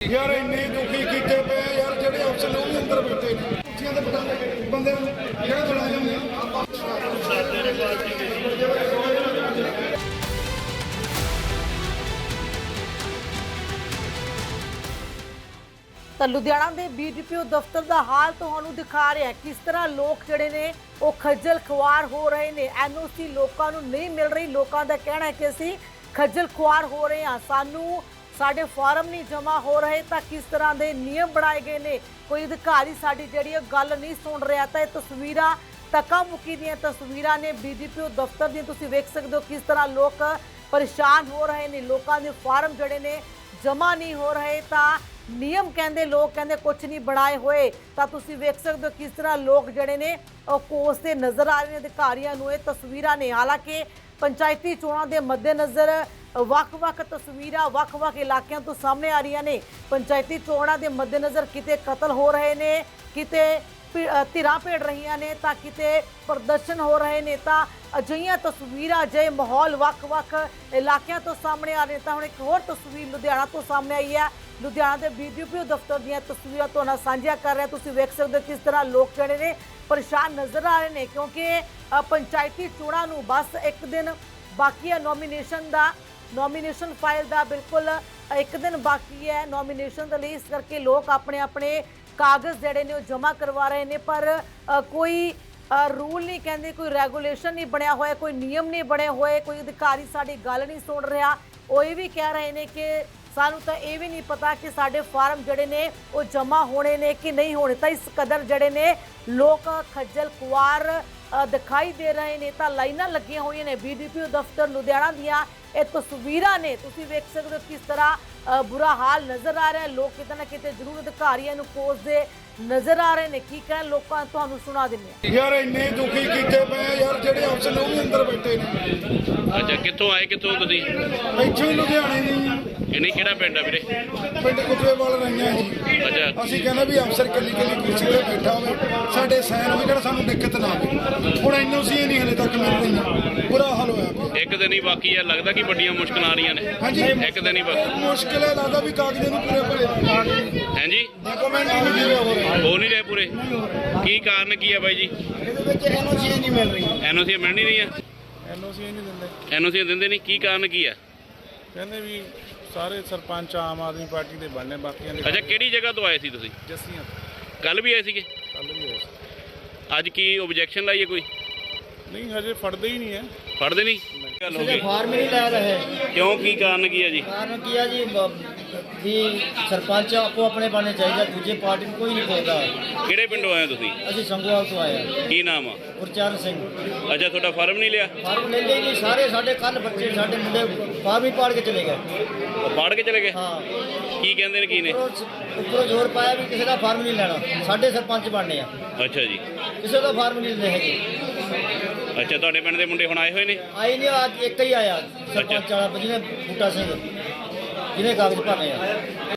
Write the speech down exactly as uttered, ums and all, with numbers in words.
यार इन्ने दुखी किए पे यार जेडे अफसर ने अंदर बैठे ने कुर्सियां ते बिठा बंदे जेडे मुलाजम ने ਤਾਂ ਲੁਧਿਆਣਾ ਦੇ ਬੀਡੀਪੀਓ ਦਫ਼ਤਰ ਦਾ ਹਾਲ ਤੁਹਾਨੂੰ ਦਿਖਾ ਰਿਹਾ ਕਿਸ ਤਰ੍ਹਾਂ ਲੋਕ ਜਿਹੜੇ ਨੇ ਉਹ ਖੱਜਲ ਖੁਆਰ ਹੋ ਰਹੇ ਨੇ। ਐਨਓਸੀ ਲੋਕਾਂ ਨੂੰ ਨਹੀਂ ਮਿਲ ਰਹੀ। ਲੋਕਾਂ ਦਾ ਕਹਿਣਾ ਹੈ ਕਿ ਅਸੀਂ ਖੱਜਲ ਖੁਆਰ ਹੋ ਰਹੇ ਹਾਂ, ਸਾਨੂੰ ਸਾਡੇ ਫਾਰਮ ਨਹੀਂ ਜਮ੍ਹਾਂ ਹੋ ਰਹੇ। ਤਾਂ ਕਿਸ ਤਰ੍ਹਾਂ ਦੇ ਨਿਯਮ ਬਣਾਏ ਗਏ ਨੇ, ਕੋਈ ਅਧਿਕਾਰੀ ਸਾਡੀ ਜਿਹੜੀ ਗੱਲ ਨਹੀਂ ਸੁਣ ਰਿਹਾ। ਤਾਂ ਇਹ ਤਸਵੀਰਾਂ ਧੱਕਾ ਮੁੱਕੀ ਦੀਆਂ ਤਸਵੀਰਾਂ ਨੇ ਬੀਡੀਪੀਓ ਦਫ਼ਤਰ ਦੀਆਂ। ਤੁਸੀਂ ਵੇਖ ਸਕਦੇ ਹੋ ਕਿਸ ਤਰ੍ਹਾਂ ਲੋਕ ਪਰੇਸ਼ਾਨ ਹੋ ਰਹੇ ਨੇ, ਲੋਕਾਂ ਦੇ ਫਾਰਮ ਜਿਹੜੇ ਨੇ ਜਮ੍ਹਾਂ ਨਹੀਂ ਹੋ ਰਹੇ। ਤਾਂ नियम कहते लोग कहते कुछ नहीं बनाए हुए। तो तुसी वेख सकते हो किस तरह लोग जड़े ने कोसते नज़र आ रहे हैं अधिकारियों को। ये तस्वीरां ने हालांकि पंचायती चोणां दे मद्देनज़र वख-वख तस्वीरां वख-वख इलाकों तो सामने आ रही ने। पंचायती चोणां दे मद्देनज़र किते कतल हो रहे ने, किते धिरां भेड़ रही ने, तां किते प्रदर्शन हो रहे ने। तां अजिहियां तस्वीरां अजਿਹੇ माहौल वख-वख इलाकों तो सामने आ रहे। तो हुण एक होर तस्वीर लुधियाना तो सामने आई है। लुधियाना के बीडीपीओ दफ्तर ਦੀਆਂ तस्वीरां तुहाडे नाल ਸਾਂਝੀਆਂ कर रहे हैं। तुसीं वेख सकते हो किस तरह लोग ਜਿਹੜੇ ਨੇ परेशान नज़र आ रहे हैं क्योंकि पंचायती चोणां नूं बस एक दिन बाकी है। नॉमीनेशन का नॉमीनेशन फाइल का बिल्कुल एक दिन बाकी है नॉमीनेशन के लिए। इस करके लोग अपने अपने कागज़ ਜਿਹੜੇ ਨੇ ਉਹ जमा करवा रहे हैं। पर कोई रूल नहीं कहते, कोई रेगूलेशन नहीं बनया होया, कोई नियम नहीं बने हुए, कोई अधिकारी साडी गल नहीं सुन रहा। वो ये भी कह रहे हैं कि सानू तो ये भी नहीं पता कि साडे फार्म जड़े ने वो जमा होने ने कि नहीं होने। तो इस कदर जड़े ने लोग खज्जल खुआर दिखाई दे रहे हैं। तो लाइनां लगियां हुई ने बीडीपीओ दफ्तर लुधियाना दियां। ये तस्वीरां ने तुसीं वेख सकते हो किस तरह बुरा हाल नज़र आ रहा है। लोग किते ना किते जरूर अधिकारियों नूं कोसदे नज़र आ रहे हैं। की कहण लोकां तुहानूं सुणा दिंदे यार इन्ने दुखी किए पे यार जेडे अफसर ने अंदर बैठे ने। अच्छा कित्थों आए कित्थों तुसीं? ਇੱਥੋਂ ਹੀ ਲੁਧਿਆਣੇ ਦੀ ਇਹਨੇ ਕਿਹੜਾ ਪਿੰਡ ਆ ਵੀਰੇ? ਪਿੰਡ ਕੁਤਵੇਵਾਲ ਰਹੀਆਂ ਜੀ। ਅੱਛਾ ਅਸੀਂ ਕਹਿੰਦੇ ਵੀ ਅਫਸਰ ਕੱਲੀ ਕੱਲੀ ਕੁਰਸੀ ਤੇ ਬੈਠਾ ਹੋਵੇ, ਸਾਡੇ ਸਾਈਨ ਹੋਵੇ, ਜਿਹੜਾ ਸਾਨੂੰ ਦਿੱਕਤ ਨਾ ਆਵੇ। ਹੁਣ ਐਨਓਸੀ ਨਹੀਂ ਹਲੇ ਤੱਕ ਮਿਲ ਰਹੀਆਂ, ਬੁਰਾ ਹਾਲ ਹੋਇਆ ਪਿਆ। ਇੱਕ ਦਿਨ ਹੀ ਬਾਕੀ ਆ, ਲੱਗਦਾ ਕਿ ਵੱਡੀਆਂ ਮੁਸ਼ਕਲਾਂ ਆ ਰਹੀਆਂ ਨੇ। ਹਾਂਜੀ ਇੱਕ ਦਿਨ ਹੀ ਬਾਕੀ ਮੁਸ਼ਕਿਲ ਹੈ, ਲੱਗਦਾ ਵੀ ਕਾਗਜ਼ਾਂ ਨੂੰ ਪੂਰੇ ਭਰੇ ਹਾਂਜੀ ਡਾਕੂਮੈਂਟ ਨਹੀਂ ਮਿਲੇ ਹੋ ਰਹੇ ਹੋ ਨਹੀਂ ਰਹੇ ਪੂਰੇ। ਕੀ ਕਾਰਨ ਕੀ ਹੈ ਬਾਈ ਜੀ? ਇਹਦੇ ਵਿੱਚ ਐਨਓਸੀ ਨਹੀਂ ਮਿਲ ਰਹੀ। ਐਨਓਸੀ ਮਿਲ ਨਹੀਂ ਰਹੀਆਂ। ਐਨਓਸੀ ਨਹੀਂ ਦਿੰਦੇ। ਐਨਓਸੀ ਦਿੰਦੇ ਨਹੀਂ, ਕੀ ਕਾਰਨ ਕੀ ਆ? ਕਹਿੰਦੇ ਵੀ ਸਾਰੇ ਸਰਪੰਚ ਆਮ ਆਦਮੀ ਪਾਰਟੀ ਦੇ ਬਣਨੇ, ਬਾਕੀਆਂ ਦੇ ਅੱਛਾ ਕਿਹੜੀ ਜਗ੍ਹਾ ਤੋਂ ਆਏ ਸੀ ਤੁਸੀਂ? ਜੱਸੀਆਂ ਕੱਲ ਵੀ ਆਏ ਸੀਗੇ? ਕੱਲ ਵੀ ਹੋਏ ਸੀ। ਅੱਜ ਕੀ ਓਬਜੈਕਸ਼ਨ ਲਾਈ ਹੈ ਕੋਈ? ਨਹੀਂ ਹਜੇ ਫੜਦੇ ਹੀ ਨਹੀਂ ਹੈ। ਫੜਦੇ ਨਹੀਂ? ਗੱਲ ਹੋ ਗਈ ਫਾਰਮ ਨਹੀਂ ਲੈ ਰਹੇ। ਕਿਉਂ, ਕੀ ਕਾਰਨ ਕੀ ਹੈ ਜੀ? ਕਾਰਨ ਕੀ ਹੈ ਜੀ ਵੀ ਸਰਪੰਚ ਆਪੋ ਆਪਣੇ ਬਣਨੇ ਚਾਹੀਦਾ, ਦੂਜੇ ਪਾਰਟੀ ਨੂੰ ਕੋਈ ਨਹੀਂ ਪੁੱਛਦਾ। ਕਿਹੜੇ ਪਿੰਡੋਂ ਆਏ ਹੋ ਤੁਸੀਂ? ਅਸੀਂ ਸੰਗੋਵਾਲ ਤੋਂ ਆਏ ਹਾਂ। ਕੀ ਨਾਮ ਆ? ਗੁਰਚਰਨ ਸਿੰਘ। ਅੱਛਾ ਤੁਹਾਡਾ ਫਾਰਮ ਨਹੀਂ ਲਿਆ? ਫਾਰਮ ਲੈ ਲਈ ਜੀ ਸਾਰੇ। ਸਾਡੇ ਕੱਲ ਬੱਚੇ ਸਾਡੇ ਮੁੰਡੇ ਫਾਰਮ ਹੀ ਪਾੜ ਕੇ ਚਲੇ ਗਏ। ਉਹ ਪਾੜ ਕੇ ਚਲੇ ਗਏ? ਹਾਂ। ਕੀ ਕਹਿੰਦੇ ਨੇ, ਕੀ ਨੇ? ਉੱਪਰੋਂ ਉੱਪਰੋਂ ਜ਼ੋਰ ਪਾਇਆ ਵੀ ਕਿਸੇ ਦਾ ਫਾਰਮ ਨਹੀਂ ਲੈਣਾ, ਸਾਡੇ ਸਰਪੰਚ ਬਣਨੇ ਆ। ਅੱਛਾ ਜੀ। ਕਿਸੇ ਦਾ ਫਾਰਮ ਨਹੀਂ ਲੈਣੇ ਹੈਗੇ। ਅੱਛਾ ਤੁਹਾਡੇ ਪਿੰਡ ਦੇ ਮੁੰਡੇ ਹੁਣ ਆਏ ਹੋਏ ਨੇ? ਆਈ ਨਹੀਂ, ਅੱਜ ਇੱਕ ਹੀ ਆਇਆ ਸਰਪੰਚ ਵਾਲਾ ਜਿਹਨੇ ਬੂਟਾ ਸਿੰਘ, ਜਿਹਨੇ ਕਾਗਜ਼ ਭਰਨੇ ਆ।